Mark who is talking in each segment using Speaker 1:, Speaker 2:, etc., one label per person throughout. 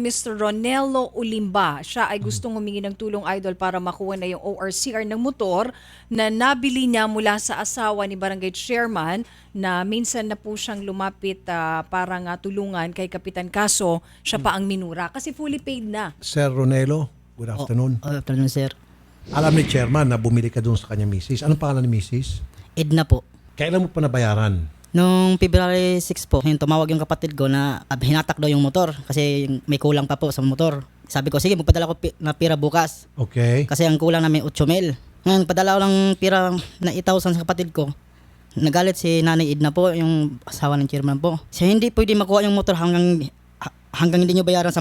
Speaker 1: Mr. Ronelo Ulimba. Siya ay gustong humingi ng tulong, Idol, para makuha na yung ORCR ng motor na nabili niya mula sa asawa ni Barangay Chairman na minsan na po siyang lumapit para nga tulungan kay Kapitan, kaso siya pa ang minura kasi fully paid na.
Speaker 2: Sir Ronelo, good afternoon.
Speaker 3: Good afternoon, sir.
Speaker 2: Alam ni Chairman na bumili ka doon sa kanya misis. Anong pangalan ni misis?
Speaker 3: Edna po.
Speaker 2: Kailan mo pa nabayaran?
Speaker 3: Noong February 6 po, yung tumawag yung kapatid ko na hinatak daw yung motor kasi may kulang pa po sa motor. Sabi ko, sige, magpadala ko na pira bukas.
Speaker 2: Okay.
Speaker 3: Kasi ang kulang namin 8,000. Ngayon, padala ko lang pira na 8,000 sa kapatid ko. Nagalit si Nanay Edna po, yung asawa ng chairman po. Siya hindi pwede makuha yung motor hanggang hindi nyo bayaran 10,000.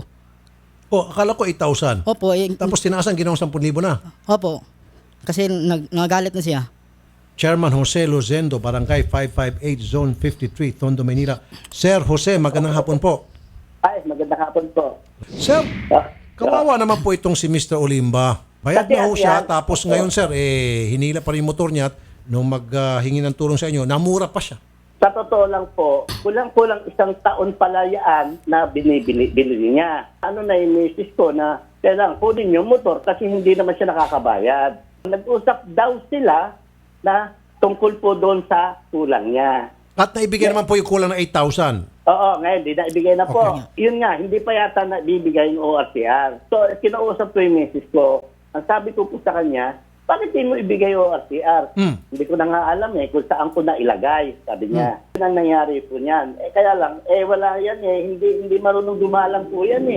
Speaker 2: Oh, akala ko 8,000.
Speaker 3: Opo,
Speaker 2: Tapos tinaasan ginawang 10,000 na.
Speaker 3: opo. Kasi nagalit na siya.
Speaker 2: Chairman Jose Lozendo, Barangay 558, Zone 53, Tondo, Manila. Sir Jose, magandang hapon po.
Speaker 4: Ay, magandang hapon po.
Speaker 2: Sir, kawawa naman po itong si Mr. Olimba. Bayad na ho siya, tapos ngayon sir, hinila pa rin yung motor niya at nung maghingi ng tulong sa inyo, namura pa siya.
Speaker 4: Sa totoo lang po, kulang-kulang 1 taon pala yan na binili niya. Ano na yung misis ko na kailangan kunin yung motor kasi hindi naman siya nakakabayad. Nag-usap daw sila na tungkol po doon sa kulang niya.
Speaker 2: At naibigay naman po yung kulang na 8,000.
Speaker 4: Oo, ngayon, hindi na ibigay na po.
Speaker 2: Okay.
Speaker 4: Yun nga, hindi pa yata na bibigay yung ORCR. So, kinausap ko yung misis ko. Ang sabi ko po sa kanya, bakit hindi mo ibigay yung ORCR? Hindi ko na nga alam kung saan ko na ilagay, sabi niya. Yun ang nangyari po niyan. Kaya lang, wala yan hindi marunong dumalang po yan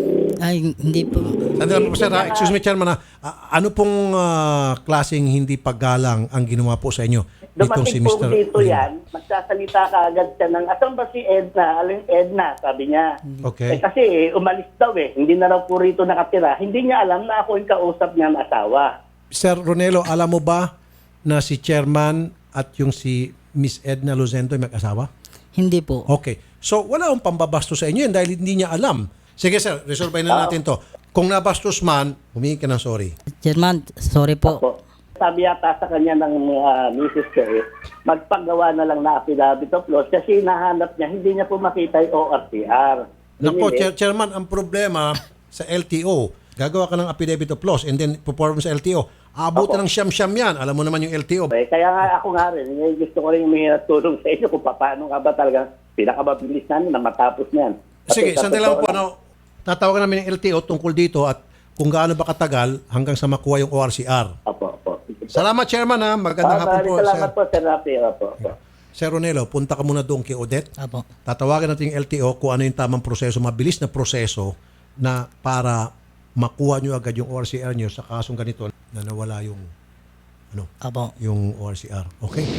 Speaker 3: Ay, hindi po.
Speaker 2: Sandali po sir, excuse me Chairman, ano pong klaseng hindi paggalang ang ginawa po sa inyo? Itong si
Speaker 4: Dumating po
Speaker 2: Mr.
Speaker 4: dito
Speaker 2: Olimba?
Speaker 4: yan, magsasalita ka agad siya ng, asan ba si Edna? Aling Edna, sabi niya.
Speaker 2: Okay.
Speaker 4: Kasi umalis daw hindi na raw po rito nakatira. Hindi niya alam na ako yung kausap niya ng asawa.
Speaker 2: Sir Ronelo, alam mo ba na si Chairman at yung si Miss Edna Lozendo ay mag-asawa?
Speaker 3: Hindi po.
Speaker 2: Okay. So, wala akong pambabasto sa inyo yan dahil hindi niya alam. Sige sir, resolve na natin to. Kung nabastos man, humingi ka ng sorry.
Speaker 3: Chairman, sorry po.
Speaker 4: Opo. Sabi yata sa kanya ng misis ko magpagawa na lang na affidavit of loss kasi hinahanap niya, hindi niya po makita yung ORCR.
Speaker 2: Nako, Chairman, ang problema sa LTO, gagawa ka ng affidavit of loss and then perform sa LTO. Aabutan ng siyam-siyam yan. Alam mo naman yung LTO.
Speaker 4: Kaya nga ako nga rin, gusto ko rin may tulong sa inyo kung paano nga ba talaga pinakamabilis namin na matapos niyan.
Speaker 2: Sige, sandali lang po. Tatawagan namin yung LTO tungkol dito at kung gaano ba katagal hanggang sa makuha yung ORCR.
Speaker 4: Opo.
Speaker 2: Salamat, Chairman. Magandang hapon po,
Speaker 4: Salamat
Speaker 2: sir.
Speaker 4: po, Sir Rafi. Opo.
Speaker 2: Sir Ronelo, punta ka muna doon kay Odette.
Speaker 3: Apo.
Speaker 2: Tatawagan natin yung LTO kung ano yung tamang proseso, mabilis na proseso na para makuha nyo agad yung ORCR nyo sa kasong ganito na nawala yung
Speaker 3: Apo.
Speaker 2: yung ORCR. Okay?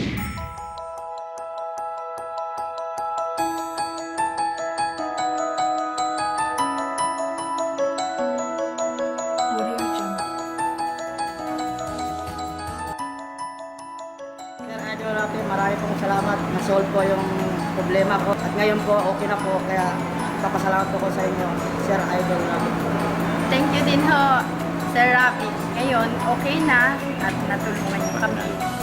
Speaker 3: Sir Idol Rafi, marami pong salamat. Na-solve po yung problema ko. At ngayon po, okay na po. Kaya papasalamat po ko sa inyo, Sir Idol Rafi.
Speaker 5: Thank you din ho, Sir Rafi. Ngayon, okay na at natulungan niyo kami.